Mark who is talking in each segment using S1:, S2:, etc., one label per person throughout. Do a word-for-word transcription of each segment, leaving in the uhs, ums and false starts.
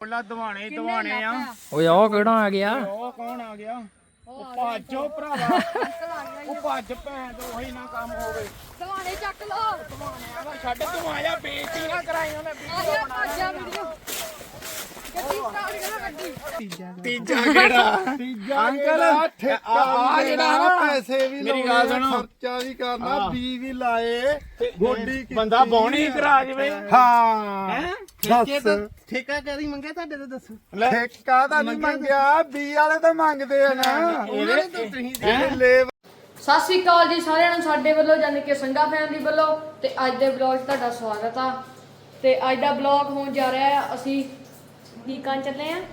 S1: ਪਹਿਲਾਂ ਦਵਾਣੇ ਦਵਾਣੇ ਆ।
S2: ਓਏ ਉਹ ਕਿਹੜਾ ਆ ਗਿਆ?
S1: ਉਹ ਕੌਣ ਆ ਗਿਆ? ਉਹ ਭਾਜੋ ਭਰਾਵਾ, ਉਹ ਭੱਜ ਭੈਣ ਤੋਂ ਉਹੀ ਨਾ ਕੰਮ ਹੋਵੇ।
S3: ਦਵਾਣੇ ਚੱਕ ਲੋ,
S1: ਦਵਾਣਿਆਂ ਦਾ ਛੱਡ, ਤੂੰ ਆਇਆ ਬੇਇੱਜ਼ਤੀ ਨਾ ਕਰਾਈ ਉਹਨੇ ਵੀਡੀਓ ਬਣਾ
S3: ਆਜਾ ਵੀਡੀਓ ਗੱਡੀ ਸਟਾਰਟ ਕਰੋ ਗੱਡੀ।
S1: ਤੀਜਾ ਕਿਹੜਾ?
S4: ਤੀਜਾ
S1: ਅੰਕਲ
S4: ਆ
S1: ਜਿਹੜਾ ਨਾ
S4: ਪੈਸੇ ਵੀ
S1: ਮੇਰੀ ਗੱਲ ਸੁਣੋ,
S4: ਖਰਚਾ ਵੀ ਕਰਨਾ, ਬੀ ਵੀ ਲਾਏ, ਗੋਡੀ ਕੀਤੀ,
S1: ਬੰਦਾ ਬੌਣੀ ਕਰਾ ਜਵੇ।
S4: ਹਾਂ
S1: ਦੱਸ
S4: ਠੇਕਾ ਕਦੀ ਮੰਗਿਆ ਤੁਹਾਡੇ ਤੋਂ ਦੱਸੋ? ਠੇਕਾ ਤਾਂ ਨਹੀਂ ਮੰਗਿਆ, ਬੀ ਵਾਲੇ ਤਾਂ ਮੰਗਦੇ ਆ ਨਾ। ਉਹਨਾਂ ਨੇ ਤਾਂ ਤੁਸੀਂ ਲੈ।
S3: ਸਤਿ ਸ਼੍ਰੀ ਅਕਾਲ ਜੀ ਸਾਰਿਆਂ ਨੂੰ ਸਾਡੇ ਵੱਲੋਂ, ਯਾਨੀ ਕਿ ਸੰਗਾ ਫੈਮਿਲੀ ਵੱਲੋਂ। ਤੇ ਅੱਜ ਦੇ ਵਲੌਗ 'ਚ ਤੁਹਾਡਾ ਸਵਾਗਤ ਆ। ਤੇ ਅੱਜ ਦਾ ਵਲੌਗ ਹੋਣ ਜਾ ਰਿਹਾ ਹੈ, ਅਸੀਂ ਕੀ ਕਰਨ ਚੱਲੇ ਆ।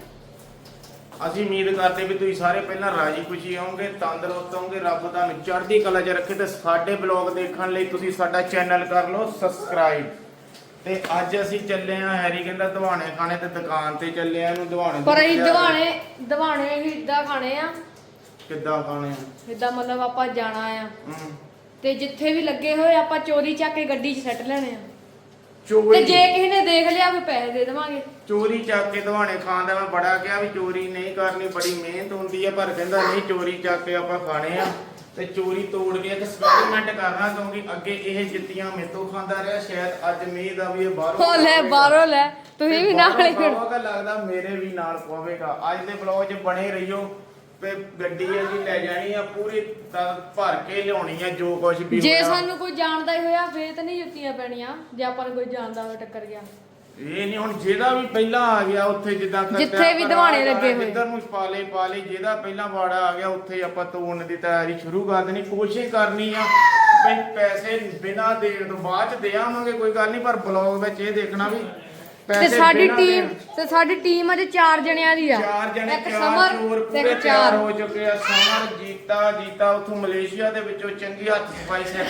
S1: ਅਸੀਂ ਉਮੀਦ ਕਰਦੇ ਵੀ ਤੁਸੀਂ ਸਾਰੇ ਪਹਿਲਾਂ ਰਾਜੀ ਖੁਸ਼ੀ ਆਓਗੇ, ਤੰਦਰੁਸਤ ਹੋਵੋਗੇ, ਰੱਬ ਤੁਹਾਨੂੰ ਚੜ੍ਹਦੀ ਕਲਾ 'ਚ ਰੱਖੇ। ਤੇ ਸਾਡੇ ਬਲੌਗ ਦੇਖਣ ਲਈ ਤੁਸੀਂ ਸਾਡਾ ਚੈਨਲ ਕਰ ਲਓ ਸਬਸਕ੍ਰਾਈਬ। ਤੇ ਅੱਜ ਅਸੀਂ ਚੱਲੇ ਆ, ਹੈਰੀ ਕਹਿੰਦਾ ਦਵਾਣੇ ਖਾਣੇ ਤੇ ਦੁਕਾਨ ਤੇ ਚੱਲੇ ਆ। ਇਹਨੂੰ ਦਵਾਣੇ
S3: ਪਰ ਅਸੀਂ ਦਵਾਣੇ ਦਵਾਣੇ ਹੀ ਇਦਾਂ ਖਾਣੇ ਆ।
S1: ਕਿੱਦਾਂ ਖਾਣੇ ਆ?
S3: ਇਦਾਂ ਮਤਲਬ ਆਪਾਂ ਜਾਣਾ ਆ
S1: ਹੂੰ,
S3: ਤੇ ਜਿੱਥੇ ਵੀ ਲੱਗੇ ਹੋਏ ਆਪਾਂ ਚੋਰੀ ਚੱਕ ਕੇ ਗੱਡੀ 'ਚ ਸੱਟ ਲੈਣੇ ਆ। ਤੇ
S1: ਚੋਰੀ
S3: ਜੇ ਕਿਸੇ ਨੇ ਦੇਖ ਲਿਆ ਫਿਰ ਪੈਸੇ ਦੇ ਦੇਵਾਂਗੇ।
S1: ਚੋਰੀ ਚੱਕ ਕੇ ਦਵਾਣੇ ਖਾਣ ਦਾ ਮੈਂ ਬੜਾ ਕਿਹਾ ਵੀ ਚੋਰੀ ਨਹੀਂ ਕਰਨੀ, ਬੜੀ ਮਿਹਨਤ ਹੁੰਦੀ ਆ। ਪਰ ਕਹਿੰਦਾ ਨਹੀਂ, ਚੋਰੀ ਚੱਕ ਕੇ ਆਪਾਂ ਖਾਣੇ ਆ। ਤੇ ਚੋਰੀ ਤੋੜ ਕੇ ਐਕਸਪੈਰੀਮੈਂਟ ਕਰਨਾ, ਕਿਉਂਕਿ ਅੱਗੇ ਇਹ ਜਿੱਤੀਆਂ ਮੇਤੋਂ ਖਾਂਦਾ ਰਿਹਾ। ਸ਼ਾਇਦ ਅੱਜ ਉਮੀਦ ਆ ਵੀ ਇਹ ਬਾਹਰੋਂ
S3: ਹੋ ਲੈ ਬਾਹਰੋਂ ਲੈ, ਤੁਸੀਂ ਵੀ ਨਾਲ ਹੀ ਖੜੋ।
S1: ਖਾਓਗਾ, ਲੱਗਦਾ ਮੇਰੇ ਵੀ ਨਾਲ ਪਵੇਗਾ। ਅੱਜ ਦੇ ਵਲੌਗ 'ਚ ਬਣੇ ਰਹੀਓ। ਤੇ ਗੱਡੀ ਅਸੀਂ ਲੈ ਜਾਣੀ ਆ, ਪੂਰੀ ਤ- ਭਰ ਕੇ ਲਿਆਉਣੀ ਆ ਜੋ ਕੁਝ ਵੀ
S3: ਜੇ
S1: ਹੋਇਆ।
S3: ਸਾਨੂੰ ਕੋਈ ਜਾਣਦਾ ਹੀ ਹੋਇਆ ਫੇਰ ਤਾਂ ਨਹੀਂ ਜੁੱਤੀਆਂ ਪੈਣੀਆਂ। ਜੇ ਆਪਾਂ ਨੂੰ ਕੋਈ ਜਾਣਦਾ ਹੋਵੇ ਟੱਕਰ ਗਿਆ,
S1: ਇਹ ਨਹੀਂ ਹੁਣ ਜਿਹਦਾ ਵੀ ਪਹਿਲਾਂ ਆ ਗਿਆ ਉੱਥੇ, ਜਿੱਦਾਂ ਖਰਚਾ
S3: ਜਿੱਥੇ ਵੀ ਦਵਾਣੇ ਲੱਗੇ ਹੋਏ,
S1: ਜਿੱਧਰ ਨੂੰ ਪਾਲੇ ਪਾਲੇ, ਜਿਹਦਾ ਪਹਿਲਾਂ ਵਾੜਾ ਆ ਗਿਆ ਉੱਥੇ ਆਪਾਂ ਤੋੜਨ ਦੀ ਤਿਆਰੀ ਸ਼ੁਰੂ ਕਰ ਦੇਣੀ। ਕੋਸ਼ਿਸ਼ ਕਰਨੀ ਆ ਵੀ ਪੈਸੇ ਬਿਨਾਂ ਦੇਣ ਤੋਂ ਬਾਅਦ ਚ ਦੇ ਆਵਾਂਗੇ, ਕੋਈ ਗੱਲ ਨਹੀਂ। ਪਰ ਬਲੌਗ ਵਿੱਚ ਇਹ ਦੇਖਣਾ ਵੀ
S3: ਤੇ
S1: ਪੈਸੇ
S3: ਸਾਡੀ
S1: ਬਿਨਾਂ
S3: ਟੀਮ
S1: ਦੇਣ।
S3: ਤੇ ਸਾਡੀ ਟੀਮ ਅਜੇ ਚਾਰ ਜਣਿਆਂ ਦੀ ਆ।
S1: ਚਾਰ ਜਣੇ,
S3: ਇੱਕ
S1: ਚਾਰ
S3: ਸਮਰ
S1: ਚੋਰ
S3: ਤੇ
S1: ਪੂਰੇ
S3: ਇੱਕ
S1: ਤਿਆਰ
S3: ਚਾਰ।
S1: ਹੋ ਚੁੱਕੇ ਆ। ਸਮਰ, ਜੀਤਾ ਜੀਤਾ ਉੱਥੋਂ ਮਲੇਸ਼ੀਆ ਦੇ ਵਿੱਚੋਂ ਚੰਗੀ ਹੱਥ ਸਫਾਈ ਸਿੱਖ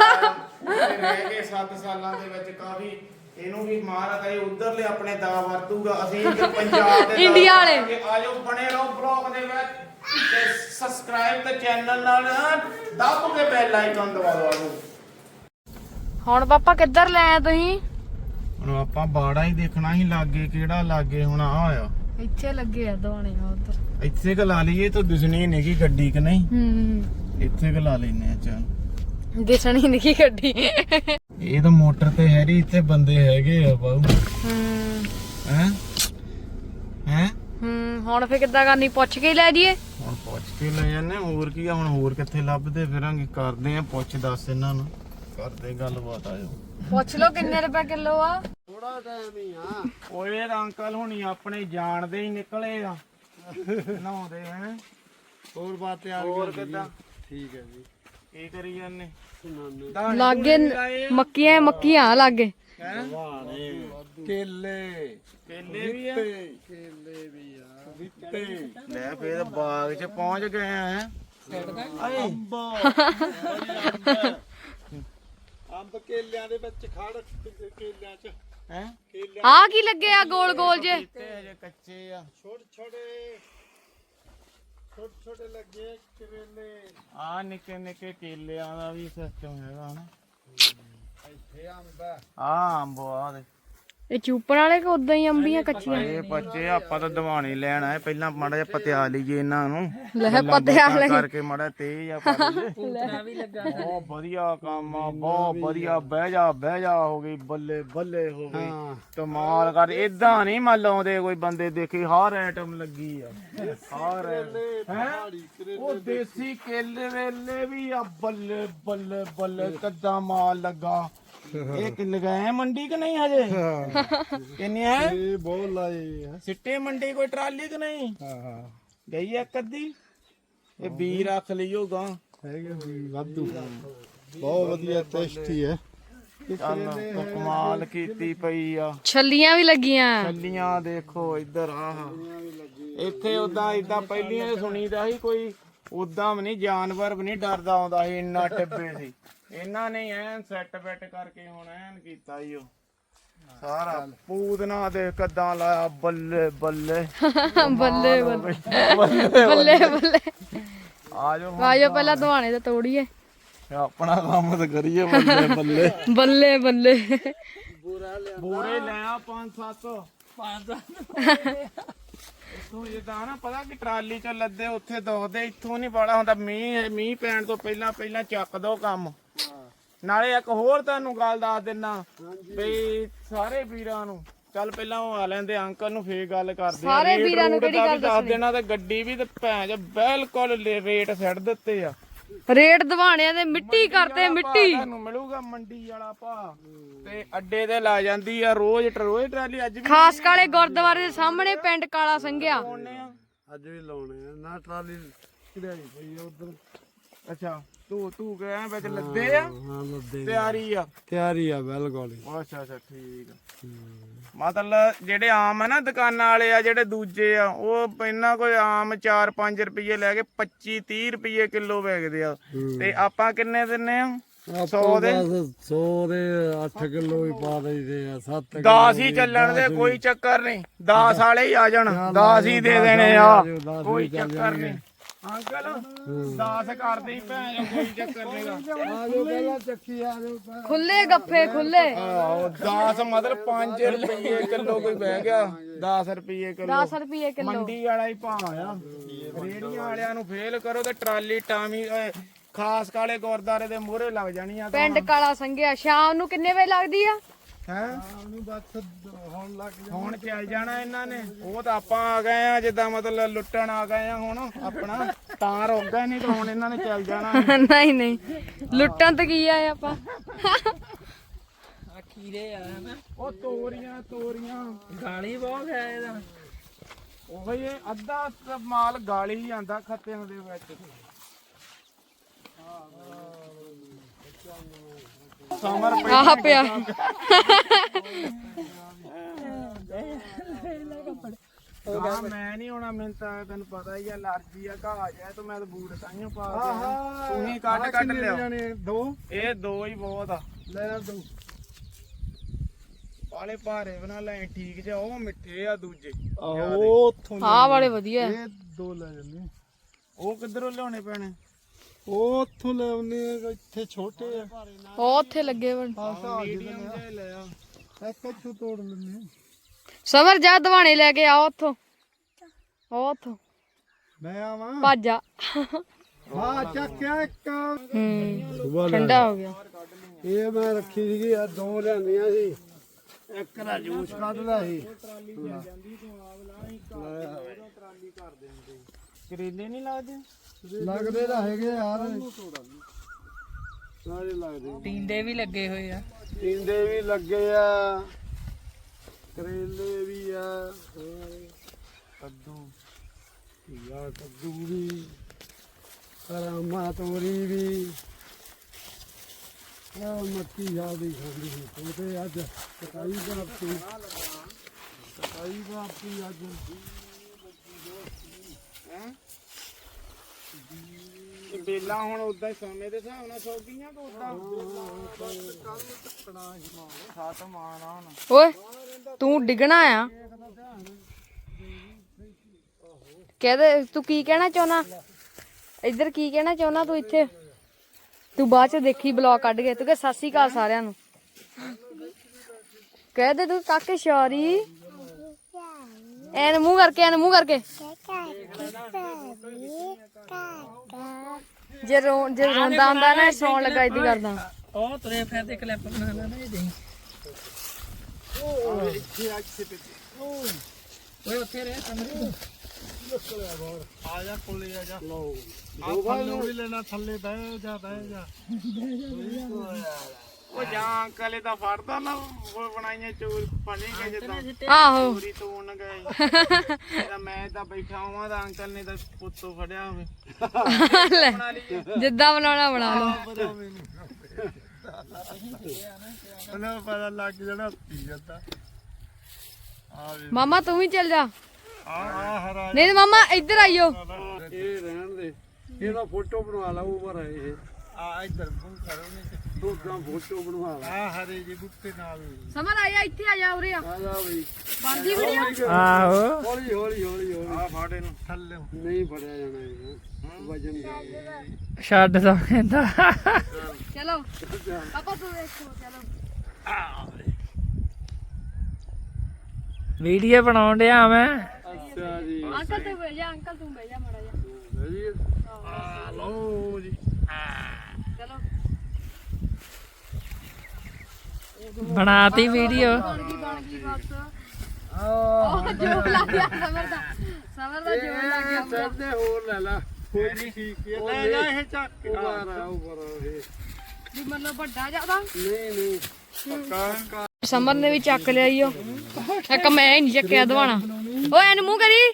S1: ਕੇ ਰਹਿ ਗਏ ਸੱਤ ਸਾਲਾਂ ਦੇ ਵਿੱਚ। ਕਾਫੀ ਇਹਨੂੰ ਵੀ ਮਹਾਰਾਜ ਇਹ ਉਧਰਲੇ ਆਪਣੇ ਦਾ ਵਰਤੂਗਾ। ਅਸੀਂ ਇੱਧਰ ਪੰਜਾਬ ਦੇ
S3: ਇੰਡੀਆ ਵਾਲੇ।
S1: ਆਜੋ, ਬਣੇ ਰਹੋ ਬਲੌਗ ਦੇ ਵਿੱਚ ਤੇ ਸਬਸਕ੍ਰਾਈਬ ਤੇ ਚੈਨਲ ਨਾਲ ਦੱਬ ਕੇ ਬੈਲ ਆਈਕਨ ਦਬਾ ਦਿਓ।
S3: ਹੁਣ ਪਾਪਾ ਕਿੱਧਰ ਲੈ ਆ ਤੁਸੀਂ?
S1: ਹੁਣ ਆਪਾਂ ਬਾੜਾ ਹੀ ਦੇਖਣਾ ਹੀ, ਲਾਗੇ ਕਿਹੜਾ ਲਾਗੇ ਹੁਣ ਆ ਹੋਇਆ।
S3: ਇੱਥੇ ਲੱਗੇ ਆ ਦਵਾਣੇ ਉਧਰ।
S1: ਇੱਥੇ ਕ ਲਾ ਲਈਏ ਤਾਂ ਦਿਸਣੀ ਨਹੀਂ ਕਿ ਗੱਡੀ ਕਿ ਨਹੀਂ।
S3: ਹੂੰ,
S1: ਇੱਥੇ ਕ ਲਾ ਲੈਨੇ ਆ। ਚੱਲ,
S3: ਦਿਸਣੀ ਨਹੀਂ ਗੱਡੀ।
S1: ਇਹ ਤਾਂ ਮੋਟਰ ਤੇ ਹੈਰੀ, ਇੱਥੇ ਬੰਦੇ ਹੈਗੇ ਆ ਬਾਊ।
S3: ਹੂੰ
S1: ਹੈ ਹੈ
S3: ਹੂੰ ਹੁਣ ਫੇਰ ਕਿੱਦਾਂ ਕਰਨੀ? ਪੁੱਛ ਕੇ ਹੀ ਲੈ ਜੀਏ।
S1: ਹੁਣ ਪੁੱਛ ਕੇ ਲੈ ਜਾਂਦੇ, ਹੋਰ ਕੀ ਆ। ਹੁਣ ਹੋਰ ਕਿੱਥੇ ਲੱਭਦੇ ਫਿਰਾਂਗੇ। ਕਰਦੇ ਆ ਪੁੱਛ ਦੱਸ ਇਹਨਾਂ ਨੂੰ, ਕਰਦੇ ਗੱਲਬਾਤ। ਆਜੋ
S3: ਪੁੱਛ ਲਓ ਕਿੰਨੇ ਰੁਪਏ ਕਿਲੋ ਆ।
S4: ਥੋੜਾ ਟਾਈਮ ਹੀ ਆ।
S1: ਓਏ ਇਹ ਅੰਕਲ ਹੁਣੀ ਆਪਣੇ ਜਾਣਦੇ ਹੀ ਨਿਕਲੇ ਆ ਨਹਾਉਂਦੇ ਹੈ।
S4: ਹੋਰ ਬਾਤ ਤਿਆਰ
S1: ਹੋਰ ਕਿੱਦਾਂ?
S4: ਠੀਕ ਹੈ ਜੀ।
S1: ਕੀ ਕਰੀ ਜਾਂਦੇ?
S3: ਲਾਗੇ ਮੱਕੀਆਂ ਮੱਕੀਆਂ ਲਾਗੇ।
S4: ਵਾਣੇ ਕੇਲੇ
S1: ਕੇਲੇ ਵੀ ਆ,
S4: ਕੇਲੇ ਵੀ ਆ, ਦਿੱਤੇ
S1: ਲੈ ਫੇਰ ਬਾਗ 'ਚ ਪਹੁੰਚ ਗਏ ਆ। ਹੈ
S4: ਅੰਬ ਅੰਬ ਕੇਲਿਆਂ ਦੇ ਵਿੱਚ ਖੜ ਕੇਲਿਆਂ 'ਚ
S1: ਹੈ
S4: ਕੇਲਿਆਂ
S3: ਆ ਕੀ ਲੱਗੇ ਆ ਗੋਲ ਗੋਲ ਜੇ?
S1: ਤੇ ਹਜੇ ਕੱਚੇ ਆ।
S4: ਛੋਟੇ ਛੋਟੇ ਛੋਟੇ ਛੋਟੇ ਲੱਗੇ ਕਰੇਲੇ।
S1: ਆ ਨਿੱਕੇ ਨਿੱਕੇ ਕੇਲਿਆਂ ਦਾ ਵੀ ਸਿਸਟਮ ਹੈਗਾ ਹਨਾ।
S4: ਇੱਥੇ ਅੰਬ ਆ।
S1: ਆ ਅੰਬ ਆ ਦੇ
S3: ਇਹ ਚੂਪਣ ਵਾਲੇ ਕਿ ਉਦਾਂ ਹੀ ਅੰਬੀਆਂ ਕੱਚੀਆਂ?
S1: ਇਹ ਬੱਚੇ ਆਪਾਂ ਤਾਂ ਦਵਾਣੇ ਲੈਣ ਆਏ। ਪਹਿਲਾਂ ਮਾੜਾ ਜਿਹਾ ਪਤਿਆ ਲਈਏ ਇਹਨਾਂ ਨੂੰ,
S3: ਲੈ ਪਤਿਆ ਲੈ
S1: ਕਰਕੇ ਮਾੜਾ ਤੇਜ਼ ਆ ਪਾ ਲਈਏ। ਬਹੁਤ ਵਧੀਆ ਕੰਮ ਆ, ਬਹੁਤ ਵਧੀਆ। ਬਹਿ ਜਾ ਬਹਿ ਜਾ ਹੋ ਗਈ, ਬੱਲੇ ਬੱਲੇ ਹੋ ਗਈ। ਕਮਾਲ ਕਰ। ਏਦਾਂ ਨਹੀਂ ਮੰਨ ਲਾਉਂਦੇ ਕੋਈ ਬੰਦੇ ਦੇਖੀ, ਹਰ ਆਈਟਮ ਲੱਗੀ ਆ। ਹਰ ਹੈ ਉਹ ਦੇਸੀ ਕੇਲੇ ਵੇਲੇ ਵੀ ਆ। ਬੱਲੇ ਬੱਲੇ ਬੱਲੇ ਕਿੱਦਾਂ ਮਾਲ ਲੱਗਾ। ਇਹ ਕਿ ਲਗਾਏ ਮੰਡੀ ਕਿ ਨਹੀਂ ਹਜੇ? ਕਿੰਨੇ ਆ
S4: ਇਹ ਬਹੁਤ ਲਾਏ ਆ।
S1: ਸਿੱਟੇ ਮੰਡੀ ਕੋਈ ਟਰਾਲੀ ਕਿ ਨਹੀਂ?
S4: ਹਾਂ ਹਾਂ
S1: ਗਈ ਇੱਕ ਅੱਧੀ। ਇਹ ਬੀ ਰੱਖ ਲਈਓ ਗਾਂ।
S4: ਹੈਗੇ ਵੀ ਵਾਧੂ। ਬਹੁਤ ਵਧੀਆ ਟੇਸਟੀ ਹੈ।
S1: ਚੱਲ ਕਮਾਲ ਕੀਤੀ ਪਈ ਆ।
S3: ਛੱਲੀਆਂ ਵੀ ਲੱਗੀਆਂ।
S1: ਛੱਲੀਆਂ ਦੇਖੋ ਇੱਧਰ। ਆਹ ਇੱਥੇ ਉਦਾਂ ਇਦਾਂ ਪਹਿਲੀਆਂ ਤੇ ਸੁਣੀਦਾ ਸੀ, ਕੋਈ ਉਦਾਂ ਵੀ ਨਹੀਂ, ਜਾਨਵਰ ਵੀ ਨਹੀਂ ਡਰਦਾ ਆਉਂਦਾ ਸੀ। ਇੰਨਾ ਟਿੱਬੇ ਸੀ। ਇਹਨਾਂ ਨੇ ਐਨ ਸੈੱਟ ਬੈਟ ਕਰਕੇ ਹੁਣ ਐਨ ਕੀਤਾ ਈ ਉਹ ਸਾਰਾ। ਪੂਦਨਾ ਦੇ ਕੱਦਾਂ ਲਾਇਆ। ਬੱਲੇ ਬੱਲੇ
S3: ਬੱਲੇ ਬੱਲੇ ਬੱਲੇ ਬੱਲੇ।
S1: ਆਜੋ
S3: ਆਜੋ ਪਹਿਲਾਂ ਦਵਾਣੇ ਤੇ ਤੋੜੀਏ,
S1: ਆਪਣਾ ਕੰਮ ਤਾਂ ਕਰੀਏ। ਬੱਲੇ ਬੱਲੇ
S3: ਬੱਲੇ ਬੱਲੇ।
S1: ਬੂਰੇ ਲੈ ਆ ਪੰਜ ਸੱਤ। ਤੂੰ ਜਿੱਦਾਂ ਨਾ ਪਤਾ ਕਿ ਟਰਾਲੀ ਚ ਲੱਦੇ ਉੱਥੇ ਦੁਖਦੇ, ਇੱਥੋਂ ਨਹੀਂ ਬਾਲਾ ਹੁੰਦਾ। ਮੀਂਹ ਮੀਂਹ ਪੈਣ ਤੋਂ ਪਹਿਲਾਂ ਪਹਿਲਾਂ ਚੱਕ ਦੋ ਕੰਮ। ਨਾਲੇ ਇੱਕ ਹੋਰ ਤੁਹਾਨੂੰ ਗੱਲ ਦੱਸ ਦਿੰਨਾ ਬਈ ਸਾਰੇ ਵੀਰਾਂ ਨੂੰ, ਚੱਲ ਪਹਿਲਾਂ ਉਹ ਆ ਲੈਂਦੇ ਅੰਕਲ ਨੂੰ, ਫੇਰ ਗੱਲ ਕਰਦੇ ਆ।
S3: ਸਾਰੇ
S1: ਰੇਟ
S3: ਵੀਰਾਂ ਨੂੰ
S1: ਰੂਟ
S3: ਕਿਹੜੀ
S1: ਦਾ ਵੀ
S3: ਗੱਲ
S1: ਦੱਸ
S3: ਦੱਸਣੀ?
S1: ਦੇਣਾ, ਤੇ ਗੱਡੀ ਵੀ ਤੇ ਭੈਣ ਚ ਬਿਲਕੁਲ ਰੇਟ ਸੈੱਟ ਦਿੱਤੇ ਆ।
S3: ਰੇਟ ਦਵਾਣਿਆਂ ਦੇ ਮਿੱਟੀ ਕਰਤੇ ਮਿੱਟੀ।
S1: ਤੁਹਾਨੂੰ ਮਿਲੂਗਾ ਮੰਡੀ ਵਾਲਾ ਭਾਅ, ਤੇ ਅੱਡੇ ਤੇ ਲਾ ਜਾਂਦੀ ਆ ਰੋਜ਼ ਰੋਜ਼ ਟਰਾਲੀ। ਅੱਜ ਵੀ
S3: ਖਾਸ ਕਾਲੇ ਗੁਰਦੁਆਰੇ ਦੇ ਸਾਹਮਣੇ ਪਿੰਡ ਕਾਲਾ ਸੰਘਿਆ।
S1: ਲਾਉਣੇ ਆ।
S4: ਅੱਜ ਵੀ ਲਾਉਣੇ ਆ ਨਾ, ਟਰਾਲੀ ਕਿਹੜੀ ਪਈ ਆ ਉਧਰ।
S1: ਅੱਛਾ ਤੂੰ ਤੂੰ ਕਹਿ ਵਿੱਚ ਲੱਦੇ ਆ,
S4: ਹਾਂ ਲੱਦੇ
S1: ਤਿਆਰੀ ਆ।
S4: ਤਿਆਰੀ ਆ ਬਿਲਕੁਲ।
S1: ਅੱਛਾ ਅੱਛਾ ਠੀਕ ਆ। ਮਤਲਬ ਜਿਹੜੇ ਆਮ ਆ ਨਾ ਦੁਕਾਨਾਂ ਵਾਲੇ ਆ, ਜਿਹੜੇ ਦੂਜੇ ਆ, ਉਹ ਇਹਨਾਂ ਕੋਈ ਆਮ ਚਾਰ ਪੰਜ ਰੁਪਏ ਲੈ ਕੇ ਪੱਚੀ ਤੀਹ ਰੁਪਏ ਕਿਲੋ ਵੇਚਦੇ ਆ। ਤੇ ਆਪਾਂ ਕਿੰਨੇ ਦਿੰਨੇ ਆ? ਸੌ ਦੇ
S4: ਸੌ ਦੇ ਅੱਠ ਕਿਲੋ ਹੀ ਪਾ ਦਈਦੇ ਆ। ਸੱਤ
S1: ਦਸ ਹੀ ਚੱਲਣ ਦੇ, ਕੋਈ ਚੱਕਰ ਨਹੀਂ। ਦਸ ਵਾਲੇ ਹੀ ਆ ਜਾਣ, ਦਸ ਹੀ ਦੇ ਦੇਣੇ ਆ, ਕੋਈ ਚੱਕਰ ਨਹੀਂ। ਅੰਕਲ ਦਸ ਕਰਦੇ ਹੀ ਭੈਣ, ਕੋਈ ਚੱਕਰ ਨਹੀਂਗਾ।
S4: ਆ ਜੋ ਪਹਿਲਾਂ ਚੱਕੀ ਆ ਜੋ।
S3: ਖੁੱਲੇ ਗੱਫੇ ਖੁੱਲੇ।
S1: ਆਹੋ ਦਸ ਮਤਲਬ ਪੰਜ ਰੁਪਏ ਕਿਲੋ ਕੋਈ ਬਹਿ ਗਿਆ। ਦਸ ਰੁਪਏ ਕਿਲੋ
S3: ਦਸ ਰੁਪਏ ਕਿਲੋ
S1: ਮੰਡੀ ਵਾਲਾ ਹੀ ਭਾਅ ਆ। ਰੇੜੀਆਂ ਵਾਲਿਆਂ ਨੂੰ ਫੇਲ ਕਰੋ ਤੇ ਟਰਾਲੀ ਟਾਮੀ ਖਾਸ ਕਾਲੇ ਗੁਰਦਾਰੇ ਦੇ ਮੂਹਰੇ ਲੱਗ ਜਾਣੀ ਆ।
S3: ਪਿੰਡ ਕਾਲਾ ਸੰਘਿਆ। ਸ਼ਾਮ ਨੂੰ ਕਿੰਨੇ ਵਜੇ ਲੱਗਦੀ ਆ?
S1: ਹੈ
S4: ਉਹਨੂੰ ਬਸ ਹੁਣ ਲੱਗ ਜਾ।
S1: ਹੁਣ ਚੱਲ ਜਾਣਾ ਇਹਨਾਂ ਨੇ। ਉਹ ਤਾਂ ਆਪਾਂ ਆ ਗਏ ਆ ਜਿੱਦਾਂ ਮਤਲਬ ਲੁੱਟਣ ਆ ਗਏ ਆ ਹੁਣ ਆਪਣਾ, ਤਾਂ ਰੁਕ ਗਏ, ਨਹੀਂ ਤਾਂ ਹੁਣ ਇਹਨਾਂ ਨੇ ਚੱਲ ਜਾਣਾ।
S3: ਨਹੀਂ ਨਹੀਂ, ਲੁੱਟਣ ਤੇ ਕੀ ਆ ਆਪਾਂ।
S2: ਖੀਰੇ ਆ ਹਨਾ,
S1: ਉਹ ਤੋਰੀਆਂ ਤੋਰੀਆਂ
S2: ਗਾਲੀ ਬਹੁਤ ਹੈ ਇਹਦਾ।
S1: ਉਹ ਇਹ ਅੱਧਾ ਤਾਂ ਮਾਲ ਗਾਲੀ ਹੀ ਆਂਦਾ ਖੱਤਿਆਂ ਦੇ ਵਿੱਚ। ਸਮਰ
S3: ਆਹ ਪਿਆ।
S1: ਹਾਂ ਮੈਂ ਨਹੀਂ ਹੋਣਾ, ਮੈਨੂੰ ਤਾਂ ਤੈਨੂੰ ਪਤਾ ਹੀ ਆ ਅਲਰਜੀ ਆ, ਘਾ ਜਾਏ ਤਾਂ ਮੈਂ ਤਾਂ ਬੂਟ ਤਾਈਓ ਪਾ ਕੇ। ਤੁਸੀਂ ਕੱਢ ਕੱਢ ਲਿਆ।
S4: ਦੋ
S1: ਇਹ ਦੋ ਹੀ ਬਹੁਤ ਆ।
S4: ਲੈ ਆ ਦੋ।
S1: ਵਾਲੇ ਭਾਰੇ ਬਣਾ ਲੈ ਠੀਕ ਜਿਹਾ, ਉਹ ਮਿੱਠੇ ਆ ਦੂਜੇ।
S4: ਉਹ ਉੱਥੋਂ
S3: ਆਹ ਵਾਲੇ ਵਧੀਆ।
S4: ਇਹ ਦੋ ਲੈ ਜੰਨੇ।
S1: ਉਹ ਕਿੱਧਰੋਂ ਲਿਆਉਣੇ ਪੈਣੇ?
S4: ਉਹ ਉੱਥੋਂ ਲੈ ਆਉਨੇ ਆ, ਇੱਥੇ ਛੋਟੇ ਆ।
S3: ਉਹ ਉੱਥੇ ਲੱਗੇ ਬਣ।
S1: ਮੀਡੀਅਮ ਜਿਹਾ ਲੈ ਆ।
S4: ਇੱਕ ਇੱਥੋਂ ਤੋੜ ਲੈਨੇ।
S3: ਸਮਰ ਜਾ ਦਵਾਣੇ ਲੈ ਕੇ ਆ ਉੱਥੋਂ। ਉਹ ਉੱਥੋਂ
S4: ਮੈਂ ਆਵਾਂ।
S3: ਭੱਜ ਜਾ।
S4: ਹਾਂ ਚੱਕਿਆ ਇੱਕ।
S3: ਹੂੰ ਠੰਡਾ ਹੋ ਗਿਆ।
S4: ਇਹ ਮੈਂ ਰੱਖੀ ਸੀਗੀ ਆ, ਦੋ ਲਿਆਂਦੀਆਂ ਸੀ। ਇੱਕ ਦਾ ਜੂਸ ਕੱਢ ਲਿਆ ਸੀ।
S1: ਕਰੇਲੇ ਨਹੀਂ ਲੱਗਦੇ?
S4: ਲੱਗਦੇ ਤਾਂ ਹੈਗੇ ਯਾਰ, ਸਾਰੇ ਲੱਗਦੇ।
S2: ਟੀਂਡੇ ਵੀ ਲੱਗੇ ਹੋਏ ਆ।
S4: ਟਿੰਡੇ ਵੀ ਲੱਗੇ ਆ, ਕਰੇਲੇ ਵੀ ਆ,
S1: ਕੱਦੂ
S4: ਯਾ ਕੱਦੂ ਵੀ, ਰਾਮਾ ਤੋਰੀ ਵੀ। ਆ ਮੱਕੀ ਜਾਂਦੀ ਖਾਂਦੀ ਸੀ ਉਹ ਤੇ ਅੱਜ ਸਕਾਈ ਬਾਪੀ ਸਕਾਈ ਬਾਪੀ ਅੱਜ
S1: ਇਹ ਬੇਲਾ ਹੁਣ ਉਦਾਂ ਹੀ ਸਮੇਂ ਦੇ ਹਿਸਾਬ ਨਾਲ ਸੌਗੀਆਂ ਕਿ ਉਦਾਂ ਸੱਤ ਮਾਣਾ ਹੁਣ।
S3: ਓਏ ਤੂੰ ਡਿੱਗਣਾ ਆ। ਕਹਦੇ ਤੂੰ ਕੀ ਕਹਿਣਾ ਚਾਹੁੰਦਾ? ਇੱਧਰ ਕੀ ਕਹਿਣਾ ਚਾਹੁੰਦਾ ਤੂੰ? ਇੱਥੇ ਤੂੰ ਬਾਅਦ ਚ ਦੇਖੀ ਬਲੌਗ ਕੱਢ ਕੇ। ਤੂੰ ਕਹ ਸਤਿ ਸ਼੍ਰੀ ਅਕਾਲ ਸਾਰਿਆਂ ਨੂੰ ਕਹਿ ਦੇ। ਤੂੰ ਕਾਕੇ ਸ਼ੌਰੀ ਐਨ ਮੂੰਹ ਕਰਕੇ, ਐਨ ਮੂੰਹ ਕਰਕੇ। ਜੇ ਰੋ ਜੇ ਰੋਂਦਾ ਹੁੰਦਾ ਨਾ, ਸੌਣ ਲੱਗਾ ਇਦਾਂ ਕਰਦਾ।
S2: ਉਹ ਤੁਰੇ ਫਿਰਦੇ ਕਲਿੱਪ ਬਣਾ ਲੈਣਾ ਇਹ ਦੇਈ। ਓਏ ਉੱਥੇ ਰਹਿ ਕਮਰੇ।
S4: ਆ ਜਾ ਕੋਲੇ ਆ ਜਾ। ਲਓ ਦੋ ਭਾਈ ਵੀ ਲੈਣਾ, ਥੱਲੇ ਬਹਿ ਜਾ ਬਹਿ ਜਾ।
S1: ਉਹ ਜਾਂ ਅੰਕਲ ਇਹਦਾ ਫੜਦਾ ਨਾ, ਉਹ ਬਣਾਈਆਂ ਚੋਰ ਬਣੇ ਗਏ ਜਿੱਦਾਂ
S3: ਆਹੋ
S1: ਚੋਰੀ ਤੋੜਨ ਗਏ। ਤਾਂ ਮੈਂ ਤਾਂ ਬੈਠਾ ਹਾਂ ਤਾਂ ਅੰਕਲ ਨੇ ਤਾਂ ਪੁੱਤੋਂ ਫੜਿਆ ਹੋਵੇ।
S3: ਲੈ, ਜਿੱਦਾਂ ਬਣਾਉਣਾ ਬਣਾ ਲਓ।
S4: ਉਹਨਾਂ ਨੂੰ ਪਤਾ ਲੱਗ ਜਾਣਾ ਪੀ ਜਾਂਦਾ।
S3: ਮਾਮਾ ਤੂੰ ਵੀ ਚੱਲ ਜਾ।
S4: ਆ ਆ ਹਰਾ
S3: ਨਹੀਂ ਮਾਮਾ ਇੱਧਰ ਆਇਓ।
S4: ਇਹ ਰਹਿਣ ਦੇ, ਇਹਦਾ ਫੋਟੋ ਬਣਵਾ ਲਾ। ਉਮਰ ਹੈ ਇਹ। ਆ ਇੱਧਰ ਫੋਨ ਕਰੋਗੇ ਤੂੰ ਤਾਂ ਫੋਟੋ ਬਣਵਾ ਲਾ। ਆ ਹਰੇ ਜੀ ਬੁੱਤੇ ਨਾਲ
S3: ਸਮਰ ਆਇਆ, ਇੱਥੇ ਆ ਜਾ। ਉਰੇ ਆ
S4: ਆ ਜਾ ਬਈ।
S3: ਬੰਦੀ ਵੀਡੀਓ।
S2: ਆਹੋ
S4: ਹੌਲੀ ਹੌਲੀ ਹੌਲੀ ਹੌਲੀ।
S1: ਆ ਫਾੜੇ ਨੂੰ
S4: ਥੱਲੇ ਨਹੀਂ ਫੜਿਆ ਜਾਣਾ ਇਹ ਵਜਨ ਦਾ।
S2: ਛੱਡ ਦਾ ਕਹਿੰਦਾ।
S3: ਚਲੋ ਪਾਪਾ ਤੂੰ ਦੇਖੋ। ਚਲੋ
S2: ਵੀਡੀਓ ਬਣਾਉਣ ਡਿਆ ਮੈਂ।
S4: ਅੱਛਾ ਜੀ
S3: ਅੰਕਲ ਤੂੰ ਬਹਿ ਜਾ ਅੰਕਲ ਤੂੰ ਬਹਿ ਜਾ ਮਾੜਾ ਜਾ
S4: ਜੀ ਆ ਲਓ ਜੀ
S3: ਚਲੋ
S2: ਬਣਾਤੀ ਵੀਡੀਓ।
S3: ਬਣ ਗਈ ਬਣ ਗਈ ਬਸ ਉਹ ਜੋਰ ਲੱਗ ਗਿਆ ਸਮਰ ਦਾ ਸਮਰ ਦਾ ਜੋਰ ਲੱਗ ਗਿਆ
S4: ਸਿਰ ਦੇ ਹੋਰ ਲੈ ਲਾ ਹੋਰ ਠੀਕ ਹੈ ਲੈ ਜਾ ਇਹ ਚੱਕ ਉਪਰ ਆ ਉਪਰ ਇਹ
S3: ਵੀ ਮਤਲਬ ਵੱਡਾ ਜ਼ਿਆਦਾ
S4: ਨਹੀਂ ਨਹੀਂ ਪੱਕਾ
S3: ਸਮਰ ਨੇ ਵੀ ਚੱਕ ਲਿਆ ਈ ਉਹ ਇੱਕ ਮੈਂ ਹੀ ਨਹੀਂ ਚੱਕਿਆ ਦਵਾਣਾ ਓਏ ਇਹਨੂੰ ਮੂੰਹ ਕਰੀ।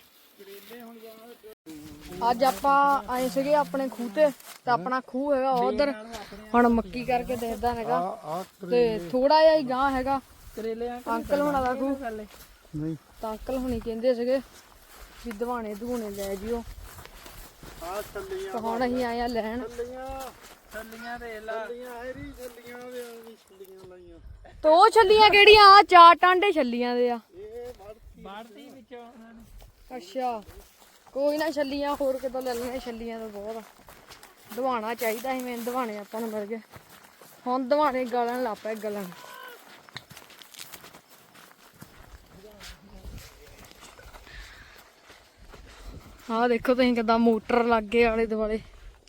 S3: ਅੱਜ ਆਪਾਂ ਆਏ ਸੀਗੇ ਆਪਣੇ ਖੂਹ ਤੇ ਤੇ ਆਪਣਾ ਖੂਹ ਹੈਗਾ ਉਧਰ ਹੁਣ ਮੱਕੀ ਕਰਕੇ ਦੇਖਦਾ ਹੈਗਾ ਤੇ ਥੋੜਾ ਜਿਹਾ ਹੀ ਗਾਂ ਹੈਗਾ
S2: ਕਰੇਲੇ
S3: ਅੰਕਲ ਹੁਣਾਂ ਦਾ ਖੂਹ
S4: ਨਹੀਂ
S3: ਤਾਂ ਅੰਕਲ ਹੁਣੀ ਕਹਿੰਦੇ ਸੀਗੇ ਵੀ ਦਵਾਣੇ ਦਵਾਣੇ ਲੈ ਜਿਓ
S4: ਆ ਛੱਲੀਆਂ
S3: ਤਾਂ ਹੁਣ ਅਸੀਂ ਆਏ ਆ ਲੈਣ
S4: ਛੱਲੀਆਂ
S2: ਛੱਲੀਆਂ ਦੇ ਲਾ
S4: ਛੱਲੀਆਂ ਹੈਰੀ ਛੱਲੀਆਂ ਦੇ ਆਂਦੀ ਛੱਲੀਆਂ ਲਾਈਆਂ
S3: ਤੋ ਉਹ ਛੱਲੀਆਂ ਕਿਹੜੀਆਂ ਆ ਚਾਰ ਟਾਂਡੇ ਛੱਲੀਆਂ ਦੇ ਆ
S4: ਇਹ
S2: ਬਾੜਤੀ ਵਿੱਚੋਂ ਉਹਨਾਂ ਨੇ।
S3: ਅੱਛਾ ਕੋਈ ਨਾ ਛੱਲੀਆਂ ਹੋਰ ਕਿਤੋਂ ਲੈ ਲੈਣੇ ਛੱਲੀਆਂ ਤਾਂ ਬਹੁਤ ਆ ਦਵਾਣਾ ਚਾਹੀਦਾ ਸੀ ਮੈਨੂੰ ਦਵਾਣੇ ਆਪਾਂ ਨੂੰ ਮਿਲ ਗਏ ਹੁਣ ਦਵਾਣੇ ਗਲਣ ਲੱਗ ਪਏ ਗਲਣ ਆਹ ਦੇਖੋ ਤੁਸੀਂ ਕਿਦਾਂ ਮੋਟਰ ਲੱਗ ਗਏ ਆਲੇ ਦੁਆਲੇ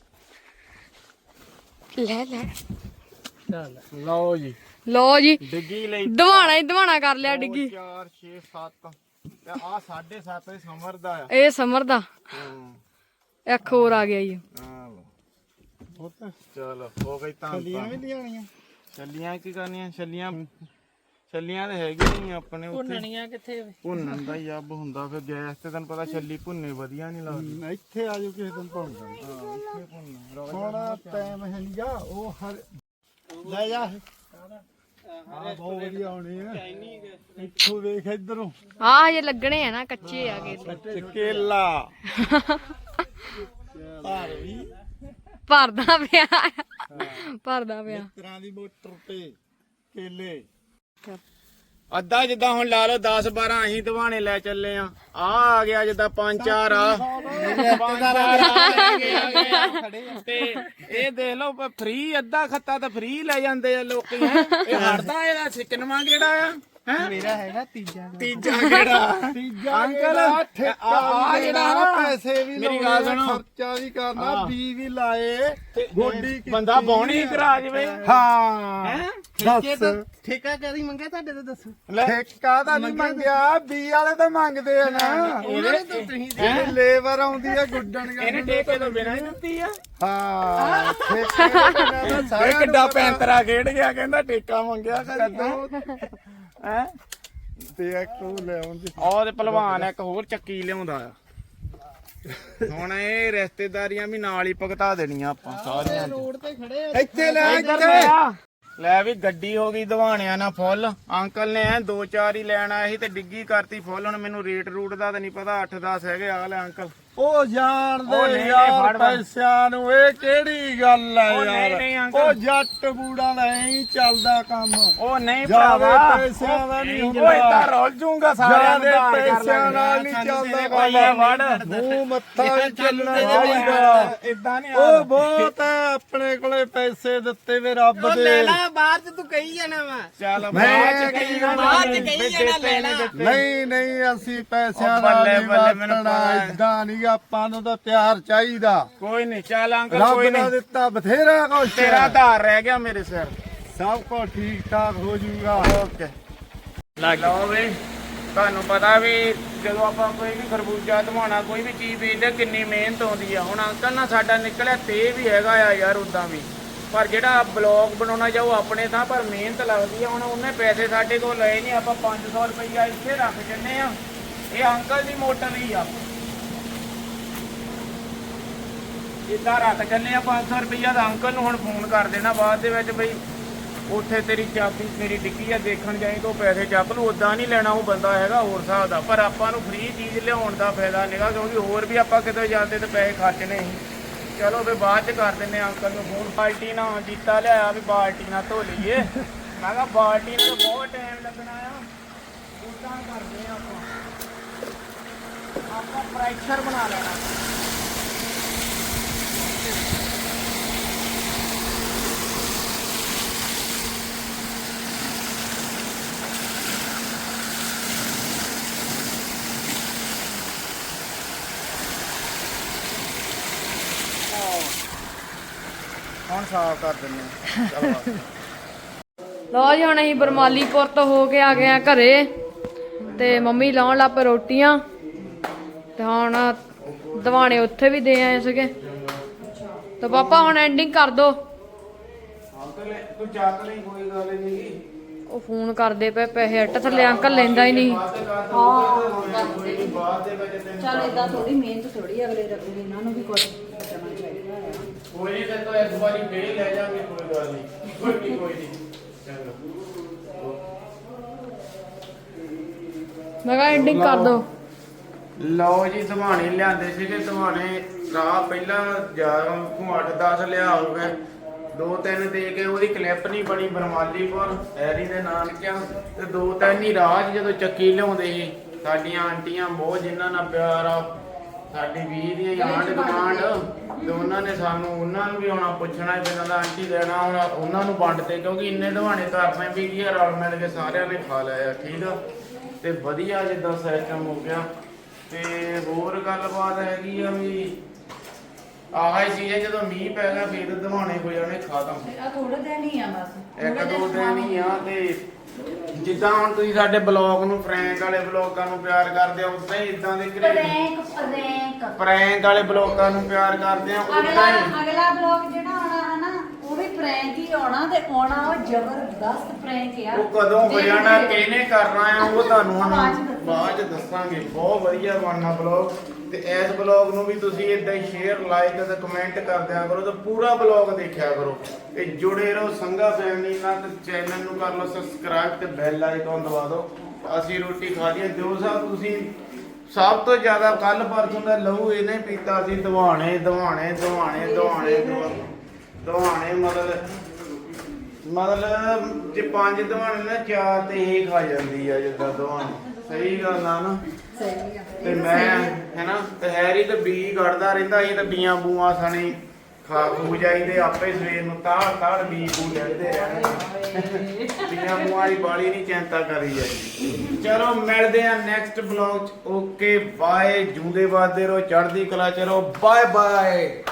S3: ਲੈ ਲੈ
S1: ਲਓ ਜੀ
S3: ਲੋ ਜੀ
S1: ਡਿੱਗੀ ਲਈ
S3: ਦਵਾਣਾ ਹੀ ਦਵਾਣਾ ਕਰ ਲਿਆ ਡਿੱਗੀ
S1: ਚਾਰ ਛੇ ਸੱਤ ਤੇ ਆ ਸਾਢੇ ਸੱਤ ਦੇ ਸਮਰ ਦਾ ਆ
S3: ਇਹ ਸਮਰ ਦਾ
S1: ਹੂੰ
S3: ਇੱਕ ਹੋਰ ਆ ਗਿਆ ਜੀ
S1: ਆ ਲਓ
S4: ਪੁੱਤ
S1: ਚਲੋ ਹੋ ਗਈ ਤਾਂ
S4: ਛੱਲੀਆਂ ਵੀ ਲਿਆਣੀਆਂ
S1: ਛੱਲੀਆਂ ਕੀ ਕਰਨੀਆਂ ਛੱਲੀਆਂ ਛੱਲੀਆਂ ਤੇ ਹੈਗੀਆਂ ਹੀ ਆਪਣੇ ਉੱਥੇ
S2: ਭੁੰਨਣੀਆਂ ਕਿੱਥੇ ਵੇ?
S1: ਭੁੰਨਣ ਦਾ ਹੀ ਅੱਬ ਹੁੰਦਾ ਫਿਰ ਗੈਸ ਤੇ ਤੈਨੂੰ ਪਤਾ ਛੱਲੀ ਭੁੰਨੇ ਵਧੀਆ ਨਹੀਂ ਲੱਗਦੀ
S4: ਇੱਥੇ ਆ ਜਾਓ ਕਿਸੇ ਦਿਨ ਪਾਉਂਦਾ
S1: ਹਾਂ ਇੱਥੇ ਭੁੰਨਣਾ
S4: ਥੋੜਾ ਟਾਈਮ ਹੈ ਨਹੀਂ ਜਾ ਉਹ ਹਰ ਲੈ ਜਾ ਹਾਂ ਬਹੁਤ ਵਧੀਆ ਹੋਣੀ ਹੈ ਇੱਥੋਂ ਵੇਖ ਇਧਰੋਂ
S3: ਆਹ ਹਜੇ ਲੱਗਣੇ ਆ ਨਾ ਕੱਚੇ ਆ ਗਏ
S1: ਕੇਲਾ
S4: ਭਾਰ ਵੀ
S3: ਭਰਦਾ ਪਿਆ ਭਰਦਾ ਪਿਆ
S4: ਤਰ੍ਹਾਂ ਦੀ ਮੋਟਰ ਤੇ ਕੇਲੇ
S1: ਅੱਧਾ ਜਿੱਦਾਂ ਹੁਣ ਲਾ ਲਓ ਦਸ ਬਾਰਾਂ ਅਸੀਂ ਦਵਾਣੇ ਲੈ ਚੱਲੇ ਆ ਆ ਆ ਗਿਆ ਜਿੱਦਾਂ ਪੰਜ ਚਾਰ ਆ ਪੰਜ ਚਾਰ ਆ ਗਏ, ਆ ਗਏ ਆ। ਤੇ ਇਹ ਦੇਖ ਲਓ ਫ੍ਰੀ ਅੱਧਾ ਖੱਤਾ ਤਾਂ ਫ੍ਰੀ ਲੈ ਜਾਂਦੇ ਆ ਲੋਕੀ ਹੈ ਇਹ ਹੜਦਾ ਇਹਦਾ ਸਿਕਨਵਾ ਕਿਹੜਾ ਆ ਹੈ
S2: ਮੇਰਾ ਹੈਗਾ ਤੀਜਾ
S1: ਤੀਜਾ ਕਿਹੜਾ
S4: ਤੀਜਾ
S1: ਅੰਕਲ
S4: ਆ ਠੇਕਾ
S1: ਆ
S4: ਵੀ
S1: ਜਿਹੜਾ
S4: ਦੇਣਾ,
S1: ਨਾ,
S4: ਪੈਸੇ ਵੀ
S1: ਮੇਰੀ ਗੱਲ
S4: ਲਾਉਣੇ,
S1: ਸੁਣੋ।
S4: ਖਰਚਾ ਵੀ ਕਰਨਾ ਬੀ ਵੀ ਲਾਏ ਗੋਡੀ ਕੀਤੀ
S1: ਬੰਦਾ ਬੌਣੀ ਕਰਾ ਜਵੇ
S4: ਹਾਂ
S1: ਹੈ
S4: ਦੱਸ
S2: ਠੇਕਾ ਕਦੀ ਮੰਗਿਆ ਤੁਹਾਡੇ ਤੋਂ ਦੱਸੋ।
S4: ਠੇਕਾ ਤਾਂ ਨਹੀਂ ਮੰਗਿਆ ਬੀ ਵਾਲੇ ਤਾਂ ਮੰਗਦੇ ਆ ਨਾ ਇਹ ਲੇਬਰ ਆਉਂਦੀ ਆ ਗੁੱਡਣ
S1: ਇਹਨੇ ਠੇਕੇ ਤੋਂ ਬਿਨਾਂ ਹੀ ਦਿੱਤੀ ਆ
S4: ਹਾਂ ਠੇਕੇ ਤੋਂ ਬਿਨਾਂ ਤਾਂ
S1: ਇਹ
S4: ਸਾਰਿਆਂ ਨੂੰ
S1: ਕਿੱਡਾ
S4: ਪਤਾ।
S1: ਪੈਂਤਰਾ ਖੇਡ ਗਿਆ ਕਹਿੰਦਾ ਠੇਕਾ ਮੰਗਿਆ ਕਦੋਂ ਹੈ
S4: ਤੇ ਇੱਕ ਉਹ ਲੈ ਆਉਂਦੇ
S1: ਉਹ ਤੇ ਭਲਵਾਨ ਇੱਕ ਹੋਰ ਚੱਕੀ ਲਿਆਉਂਦਾ ਆ ਹੁਣ ਇਹ ਰਿਸ਼ਤੇਦਾਰੀਆਂ ਵੀ ਨਾਲ ਹੀ ਭੁਗਤਾ ਦੇਣੀਆਂ ਆਪਾਂ ਸਾਰੀਆਂ
S2: ਰੋਡ ਤੇ ਖੜੇ ਆ।
S4: ਇੱਥੇ ਲੈ
S1: ਇੱਧਰ
S4: ਇੱਥੇ
S1: ਲੈ ਆ। ਲੈ ਵੀ ਗੱਡੀ ਹੋ ਗਈ ਦਵਾਣਿਆਂ ਨਾਲ ਫੁੱਲ ਅੰਕਲ ਨੇ ਐ ਦੋ ਚਾਰ ਹੀ ਲੈਣ ਆਇਆ ਸੀ ਤੇ ਡਿੱਗੀ ਕਰਤੀ ਫੁੱਲ ਹੁਣ ਮੈਨੂੰ ਰੇਟ ਰੂਟ ਦਾ ਤਾਂ ਨਹੀਂ ਪਤਾ ਅੱਠ ਦਸ ਹੈਗੇ ਆ ਲੈ ਅੰਕਲ
S4: ਉਹ
S1: ਉਹ
S4: ਜਾਣਦੇ
S1: ਨਹੀਂ,
S4: ਯਾਰ
S1: ਫੜ ਫੜ।
S4: ਪੈਸਿਆਂ ਨੂੰ ਇਹ ਕਿਹੜੀ ਗੱਲ ਹੈ
S1: ਉਹ ਨਹੀਂ,
S4: ਯਾਰ
S1: ਨਹੀਂ ਅੰਕਲ।
S4: ਉਹ ਜੱਟ ਬੂੜਾ ਦਾ ਐਂ ਚੱਲਦਾ ਕੰਮ
S1: ਉਹ ਨਹੀਂ
S4: ਜ਼ਿਆਦੇ
S1: ਭਰਾਵਾ
S4: ਪੈਸਿਆਂ ਦਾ ਨਹੀਂ
S1: ਉਹ
S4: ਹੁੰਦਾ।
S1: ਏਦਾਂ ਰੋਲ ਜੂਗਾ ਸਾਰਿਆਂ ਨੂੰ
S4: ਜਿਆਦੇ
S1: ਉਧਾਰ ਕਰ
S4: ਪੈਸਿਆਂ ਨਾਲ ਨਹੀਂ
S1: ਲੈਂਦੇ ਆ।
S4: ਚੱਲਦਾ
S1: ਕੋਈ ਵੜ
S4: ਮੂੰਹ ਮੱਥਾ ਵੀ ਚੱਲਣਾ ਚਾਹੀਦਾ
S1: ਇਦਾਂ ਨਹੀਂ
S4: ਉਹ ਬਹੁਤ ਹੈ ਆਪਣੇ ਕੋਲੇ ਪੈਸੇ ਦਿੱਤੇ ਵੇ ਰੱਬ ਦੇ
S2: ਬਾਹਰ ਚ ਤੂੰ ਕਹੀ ਜਾਣਾ ਵਾ।
S1: ਚੱਲ
S4: ਮੈਂ
S1: ਬਾਅਦ ਚ
S4: ਕਹੀ
S1: ਕਹੀ
S4: ਜਾਣਾ,
S1: ਬਾਅਦ ਚ
S2: ਕਹੀ
S1: ਕਹੀ
S2: ਜਾਣਾ, ਲੈ ਲਾ।
S4: ਨਹੀਂ ਨਹੀਂ ਅਸੀਂ ਪੈਸਿਆਂ
S1: ਉਹ
S4: ਨਾਲ
S1: ਬੱਲੇ,
S4: ਨਹੀਂ
S1: ਬੱਲੇ, ਮੈਨੂੰ
S4: ਵਰਤਣਾ
S1: ਪਤਾ ਹੈ।
S4: ਇਦਾਂ ਨਹੀਂ ਆਪਾਂ ਨੂੰ ਤਾਂ ਪਿਆਰ ਚਾਹੀਦਾ
S1: ਕੋਈ ਨਹੀਂ ਚੱਲ ਅੰਕਲ
S4: ਰੱਬ
S1: ਕੋਈ
S4: ਨੇ
S1: ਨਹੀਂ
S4: ਦਿੱਤਾ ਬਥੇਰਾ ਕੁਛ
S1: ਤੇਰਾ ਆਧਾਰ ਰਹਿ ਗਿਆ ਮੇਰੇ ਸਿਰ
S4: ਸਭ ਕੁਝ ਠੀਕ ਠਾਕ ਹੋ ਜਾਊਗਾ
S1: ਓਕੇ ਲਓ ਵੀ ਤੁਹਾਨੂੰ ਪਤਾ ਵੀ ਜਦੋਂ ਆਪਾਂ ਕੋਈ ਵੀ ਖਰਬੂਜਾ ਧਵਾਣਾ ਕੋਈ ਵੀ ਚੀਜ਼ ਵੇਚਦੇ ਕਿੰਨੀ ਮਿਹਨਤ ਆਉਂਦੀ ਆ ਹੁਣ ਅੰਕਲ ਨਾਲ ਸਾਡਾ ਨਿਕਲਿਆ ਤੇ ਵੀ ਹੈਗਾ ਆ ਯਾਰ ਉਦਾਂ ਵੀ ਪਰ ਜਿਹੜਾ ਬਲੌਗ ਬਣਾਉਣਾ ਜਾਓ ਆਪਣੇ ਥਾਂ ਪਰ ਮਿਹਨਤ ਲੱਗਦੀ ਆ ਹੁਣ ਉਹਨੇ ਪੈਸੇ ਸਾਡੇ ਕੋਲ ਲਏ ਨਹੀਂ ਆਪਾਂ ਪੰਜ ਸੌ ਰੁਪਈਆ ਇੱਥੇ ਰੱਖ ਜੰਨੇ ਆ ਇਹ ਅੰਕਲ ਦੀ ਮੋਟਰ ਹੀ ਆ ਇੱਦਾਂ ਰੱਖ ਜੰਨੇ ਆ ਪੰਜ ਸੌ ਰੁਪਈਆ ਦਾ ਅੰਕਲ ਨੂੰ ਹੁਣ ਫੋਨ ਕਰ ਦੇਣਾ ਬਾਅਦ ਦੇ ਵਿੱਚ ਬਈ ਉੱਥੇ ਤੇਰੀ ਚਾਬੀ ਮੇਰੀ ਡਿੱਗੀ ਆ ਦੇਖਣ ਜਾਈ ਤੋਂ ਪੈਸੇ ਚੱਕ ਲੂ ਉਦਾਂ ਨਹੀਂ ਲੈਣਾ ਉਹ ਬੰਦਾ ਹੈਗਾ ਹੋਰ ਹਿਸਾਬ ਦਾ ਪਰ ਆਪਾਂ ਨੂੰ ਫ੍ਰੀ ਚੀਜ਼ ਲਿਆਉਣ ਦਾ ਫਾਇਦਾ ਨਹੀਂਗਾ ਕਿਉਂਕਿ ਹੋਰ ਵੀ ਆਪਾਂ ਕਿਤੇ ਜਾਂਦੇ ਤੇ ਪੈਸੇ ਖਰਚਣੇ ਸੀ ਚਲੋ ਫਿਰ ਬਾਅਦ ਚ ਕਰ ਦਿੰਨੇ ਅੰਕਲ ਨੂੰ ਫੋਨ ਬਾਲਟੀ ਨਾਲ ਜੀਤਾ ਲਿਆਇਆ ਵੀ ਬਾਲਟੀ ਨਾਲ ਧੋ ਲਈਏ ਮੈਂ ਕਿਹਾ ਬਾਲਟੀ ਨੂੰ ਤਾਂ ਬਹੁਤ ਟਾਈਮ ਲੱਗਣਾ ਆ ਉਦਾਂ ਕਰਦੇ ਆ ਆਪਾਂ ਆਪਾਂ ਪ੍ਰੈਸ਼ਰ ਬਣਾ ਲੈਣਾ ਹੁਣ ਸਾਫ਼ ਕਰ ਦਿੰਦੇ ਆ ਚਲੋ
S3: ਲਓ ਜੀ ਹੁਣ ਅਸੀਂ ਬਰਮਾਲੀਪੁਰ ਤੋਂ ਹੋ ਕੇ ਆ ਗਏ ਆ ਘਰੇ ਤੇ ਮੰਮੀ ਲਾਉਣ ਲੱਗ ਪਏ ਰੋਟੀਆਂ ਤੇ ਹੁਣ ਦਵਾਣੇ ਉੱਥੇ ਵੀ ਦੇ ਆਏ ਸੀਗੇ ਤੇ ਪਾਪਾ ਹੁਣ ਐਂਡਿੰਗ ਕਰ ਦੋ
S1: ਅੰਕਲ ਤੂੰ ਚੱਕ ਲਈ ਕੋਈ ਗੱਲ ਨਹੀਂ
S3: ਉਹ ਫੋਨ ਕਰਦੇ ਪਏ ਪੈਸੇ ਅੱਟ ਥੱਲੇ ਅੰਕਲ ਲੈਂਦਾ ਹੀ ਨਹੀਂ
S5: ਚੱਲ ਏਦਾਂ ਥੋੜੀ ਮਿਹਨਤ ਥੋੜੀ ਅਗਲੇ ਰੱਖਦੇ ਇਹਨਾਂ ਨੂੰ ਵੀ ਕੁਝ ਬਚਣਾ ਚਾਹੀਦਾ ਆ
S1: ਕੋਈ ਨਹੀਂ ਤੇ ਤਾਂ ਇੱਕ ਵਾਰੀ ਫੇਰ ਲੈ ਜਾਵਾਂਗੇ ਕੋਈ ਗੱਲ ਨਹੀਂ ਕੋਈ ਨਹੀਂ ਕੋਈ ਨਹੀਂ ਚੰਗਾ
S3: ਮੈਂ ਕਿਹਾ ਐਂਡਿੰਗ ਕਰ ਦੋ
S1: ਲਓ ਜੀ ਧਵਾਣੇ ਲਿਆਂਦੇ ਸੀਗੇ ਧਵਾਣੇ ਰਾਹ ਪਹਿਲਾਂ ਜਾ ਅੱਠ ਦਸ ਲਿਆ ਹੋ ਗਏ ਦੋ ਤਿੰਨ ਦੇ ਕੇ ਉਹਦੀ ਕਲਿੱਪ ਨਹੀਂ ਬਣੀ ਬਰਮਾਲੀਪੁਰ ਐਰੀ ਦੇ ਨਾਨਕਿਆਂ ਤੇ ਦੋ ਤਿੰਨ ਹੀ ਰਾਹ 'ਚ ਜਦੋਂ ਚੱਕੀ ਲਿਆਉਂਦੇ ਸੀ ਸਾਡੀਆਂ ਆਂਟੀਆਂ ਬਹੁਤ ਜਿਨ੍ਹਾਂ ਨਾਲ ਪਿਆਰ ਆ ਸਾਡੀ ਵੀਹ ਦੀਆਂ ਆਂਢ ਗੁਆਂਢ ਤੇ ਉਹਨਾਂ ਨੇ ਸਾਨੂੰ ਉਹਨਾਂ ਨੂੰ ਵੀ ਆਉਣਾ ਪੁੱਛਣਾ ਕਿਦਾਂ ਦਾ ਆਂਟੀ ਦੇਣਾ ਹੁਣ ਉਹਨਾਂ ਨੂੰ ਵੰਡਤੇ ਕਿਉਂਕਿ ਇੰਨੇ ਧਵਾਣੇ ਕਰਨੇ ਵੀ ਕੀ ਆ ਰਲ ਮਿਲ ਕੇ ਸਾਰਿਆਂ ਨੇ ਖਾ ਲਿਆ ਠੀਕ ਆ ਤੇ ਵਧੀਆ ਜਿੱਦਾਂ ਸਿਸਟਮ ਹੋ ਗਿਆ ਤੇ ਹੋਰ ਗੱਲਬਾਤ ਹੈਗੀ ਆ ਵੀ ਆਹ ਹੀ ਚੀਜ਼ ਹੈ ਜਦੋਂ ਮੀਂਹ ਪੈ ਗਿਆ ਫੇਰ ਧਵਾਣੇ ਹੋ ਜਾਣੇ ਖਤਮ
S5: ਆ ਥੋੜੇ ਦਿਨ ਹੀ ਆ ਬਸ
S1: ਇੱਕ ਦੋ ਦਿਨ ਹੀ ਆ ਤੇ ਜਿੱਦਾਂ ਹੁਣ ਤੁਸੀਂ ਸਾਡੇ ਬਲੌਗ ਨੂੰ ਪ੍ਰੈਂਕ ਵਾਲੇ ਬਲੌਗਾਂ ਨੂੰ ਪਿਆਰ ਕਰਦੇ ਆ ਉਦਾਂ ਹੀ ਇਦਾਂ ਦੇ
S5: ਪ੍ਰੈਂਕ ਪ੍ਰੈਂਕ
S1: ਪ੍ਰੈਂਕ ਵਾਲੇ ਬਲੌਗਾਂ ਨੂੰ ਪਿਆਰ ਕਰਦੇ ਆ
S5: ਅਗਲਾ
S1: ਉਦਾਂ ਹੀ
S5: ਅਗਲਾ ਬਲੌਗ ਜਿਹੜਾ ਆਉਣਾ ਹੈ ਨਾ ਉਹ ਵੀ ਪ੍ਰੈਂਕ ਹੀ ਆਉਣਾ ਤੇ ਆਉਣਾ ਉਹ ਜ਼ਬਰਦਸਤ ਪ੍ਰੈਂਕ ਆ
S1: ਉਹ ਕਦੋਂ ਹੋ ਜਾਣਾ ਕਿਹਨੇ ਕਰਨਾ ਆ ਉਹ ਤੁਹਾਨੂੰ ਹੁਣ
S5: ਬਾਅਦ ਚ ਦੱਸਾਂਗੇ।
S1: ਬਾਅਦ ਚ ਦੱਸਾਂਗੇ ਬਹੁਤ ਵਧੀਆ ਬਣਨਾ ਬਲੌਗ ਤੇ ਇਸ ਬਲੌਗ ਨੂੰ ਵੀ ਤੁਸੀਂ ਇਦਾਂ ਹੀ ਸ਼ੇਅਰ ਲਾਈਕ ਤੇ ਕਮੈਂਟ ਕਰ ਦਿਆ ਕਰੋ ਤੇ ਪੂਰਾ ਬਲੌਗ ਦੇਖਿਆ ਕਰੋ ਤੇ ਜੁੜੇ ਰਹੋ ਸੰਗਾ ਫੈਮਿਲੀ ਨਾਲ ਤੇ ਚੈਨਲ ਨੂੰ ਕਰ ਲਓ ਸਬਸਕ੍ਰਾਈਬ ਤੇ ਬੈਲ ਆਈਕਨ ਦਬਾ ਦਿਓ ਅਸੀਂ ਰੋਟੀ ਖਾ ਲਈ ਜੋ ਸਾਹਿਬ ਤੁਸੀਂ ਸਭ ਤੋਂ ਜ਼ਿਆਦਾ ਕੱਲ ਪਰਸੋਂ ਦਾ ਲਹੂ ਇਹਨੇ ਪੀਤਾ ਸੀ ਦਵਾਣੇ ਦਵਾਣੇ ਦਵਾਣੇ ਦਵਾਣੇ ਦਵਾਣੇ ਮਤਲਬ ਮਤਲਬ ਜੇ ਪੰਜ ਦਵਾਣੇ ਨਾ ਚਾਰ ਤੇ ਇਹ ਖਾ ਜਾਂਦੀ ਆ ਜਿੱਦਾਂ ਦਵਾਣੇ ਸਹੀ ਗੱਲ ਆ ਨਾ
S5: ਸਹੀ ਆ
S1: ਤੇ ਮੈਂ ਹੈਨਾ ਤੇ ਹੈਰੀ ਤੇ ਬੀ ਕੱਢਦਾ ਰਹਿੰਦਾ ਸੀ ਤੇ ਬੀਆਂ ਬੂਆਂ ਸਣੀ ਖਾ ਖੂ ਜਾਈਦੇ ਆਪੇ ਸਵੇਰ ਨੂੰ ਤਾੜ ਤਾੜ ਬੀ ਬੂ ਲੈਂਦੇ ਰਹਿੰਦੇ ਬੀਆਂ ਬੂਆਂ ਦੀ ਬਾਲੀ ਨਹੀਂ ਚਿੰਤਾ ਕਰੀ ਜਾਂਦੀ ਚਲੋ ਮਿਲਦੇ ਆ ਨੈਕਸਟ ਬਲੌਗ ਚ ਓਕੇ ਬਾਏ ਜੂਦੇ ਵਾਦੇ ਰਹੋ ਚੜ੍ਹਦੀ ਕਲਾ ਚ ਰਹੋ ਬਾਏ ਬਾਏ